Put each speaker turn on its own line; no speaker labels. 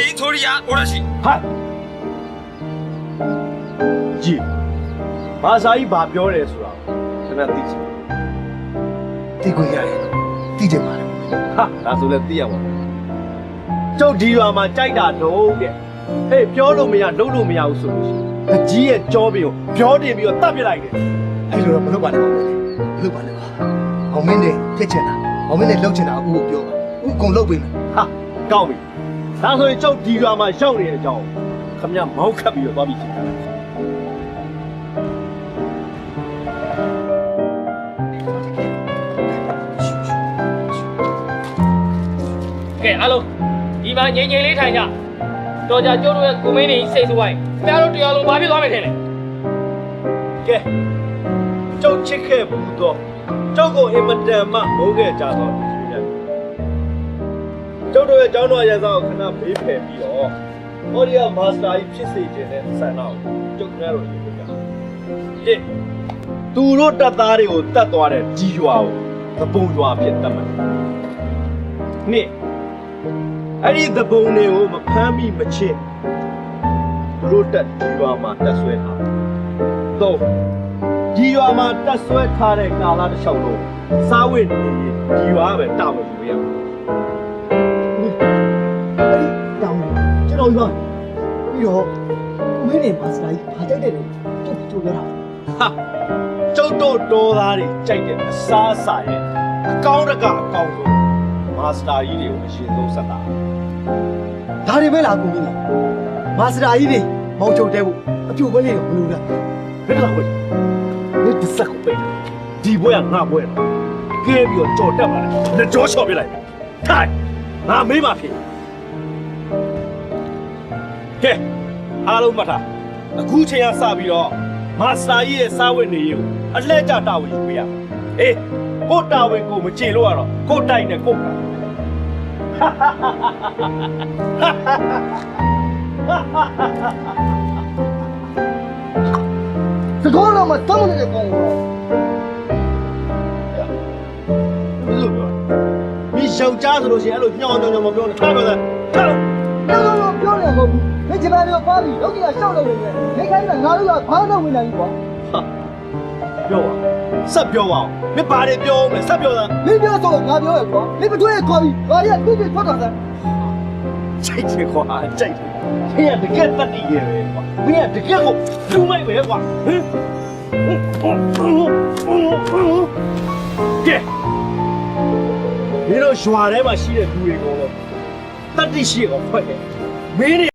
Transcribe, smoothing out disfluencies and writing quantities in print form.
一撮里呀，我来洗。
嗨，ကြီးဘာသာကြီးဘာပြောတယ်ဆိုတာကျွန်တော်သိချင်
သိခွင့်ရတယ်သိချင်ပါတယ်
ဟာဒါဆိုလည်းသိရမှာကျုပ်ဒီရွာမှာကြိုက်တာတော့တဲ့ဟေးပြောလို့မရလုပ်လို့မရဘူးဆိုလို့ရှိရင်အကြီးရဲ့ကြောပင်ကိုပြောတင်ပြီးတော့တတ်ပြလိုက်တယ်
အဲ့လိုတော့မလုပ်ပါနဲ့ပါဘူးမလုပ်ပါနဲ့ပါအောင်မင်းနဲ့ဖြစ်ချင်တာအောင်မင်းနဲ့လှုပ်ချင်တာအခုပြောပါအခုအကုန်လှုပ်ပေးမယ်
ဟာကောင်းပြီဒါဆိုရင်ကျုပ်ဒီရွာမှာရောက်နေတဲ့အကြောင်းခမရမောက်ခတ်ပြီးတော့သွားပြီးချိန်တာ
ကဲအားလုံးဒီမှာငြိမ်ငြိမ်လေးထိုင်ကြတော်ကြကျိုးတို့ရဲ့ကိုမင်းတွေစိတ်ဆိုးဝိုင်းခင်ဗျားတို့တရားလုံးဘာဖြစ်သွားမယ်ထင်လဲ
ကဲကျုပ်ချစ်ခဲ့ဘူးတော့ကျုပ်ကိုအင်မတန်မှမိုးခဲ့ကြတော့ဒီလိုများကျုပ်တို့ရဲ့ကျောင်းတော်ရန်ဆောင်ခဏဘေးဖယ်ပြီးတော့ဟောဒီကမာစတာကြီးဖြစ်စေခြင်းနဲ့ဆန္ဒကိုကျုပ်များတို့ရေးပြကြတစ်သူတို့တပ်သားတွေကိုတတ်သွားတဲ့ကြီးရွာကိုသပုံရွာဖြစ်တတ်မယ်နှစ်အဲ့ဒီသပုံတွေကိုမဖမ်းမိမချစ်သူတို့တက်ဒီရွာမှာတက်ဆွဲထားတော့ဒီရွာမှာတက်ဆွဲထားတဲ့ကာလတစ်လျှောက်လုံးစားဝတ်နေဒီရွာပဲတာဝန်ယူရမယ်
အဲ့ဒီတောင်းကျွန်တော်ပြောပြီးတော့မင်းနဲ့မာစတာကြီးဘာကြိုက်တယ်လို့ကျုပ်ပြောတာ
ဟာကျုပ်တို့တော်သားတွေကြိုက်တဲ့အစားအစာရဲ့အကောင်းတကအကောင်းဆုံးမာစတာကြီးတွေကိုအရင်ဆုံးဆက်တာ
ဒါတွေပဲလားကိုမင်းမာစတာကြီးတွေမောင်ချုပ်တဲဖို့အပြိုပဲလေးတော့မလို့လား
ဘယ်လောက်ပဲဒီတစ်စက်ကိုပေးဒီဘွဲကငါဘွဲတော့ကဲပြီးတော့ကြော်တက်ပါလေလက်ကြောချော်ပြလိုက်ထိုင်ငါမေးပါဖြစ်ကဲအားလုံးမှတ်ထားအခုချိန်ကစပြီးတော့မာစတာကြီးရဲ့စားဝတ်နေရေးကိုအလှည့်ကျတာဝန်ယူပေးရအေးကိုတာဝန်ကိုမကြေလို့ရတော့ကိုတိုက်နဲ့ကိုက
စကောလုံးမှာတောင်းနေတဲ့ကောင်ကို
ဘယ်လိုပြောမင်းယောက်ျားဆိုလို့ရှိရင်အဲ့လိုညောင်းညောင်းမပြောနဲ့ထားပါသားထားလို့
တော့ပြောနေမှာမဟုတ်ဘူးမင်းဂျပန်မျိုးပါပြီလောက်ကရှောက်လို့နေတယ်နေခိုင်းတာငါတို့ကဘာလို့ဝင်နိုင်ပြီကွာ
ပြောပါဆက်ပြောပါဦးမင်းဘာတွေပြောမလဲဆက်ပြောသား
မင်းပြောဆိုငါပြောရကွာမင်းမတွေ့ရခေါ်ပြီငါတွေကသူ့ပြထွက်တာစမ်း
ချိတ်ချင်ခွာကြိုက်တယ်မင်းကတကယ်တတ်တည်ရဲ့ပဲကွာမင်းကတကယ်ကိုလူမိုက်ပဲကွာဟင်ကဲမင်းတို့ရွာထဲမှာရှိတဲ့လူတွေကတော့တတ်တည်ရှိကောင်ဖွဲ့တယ်မင်း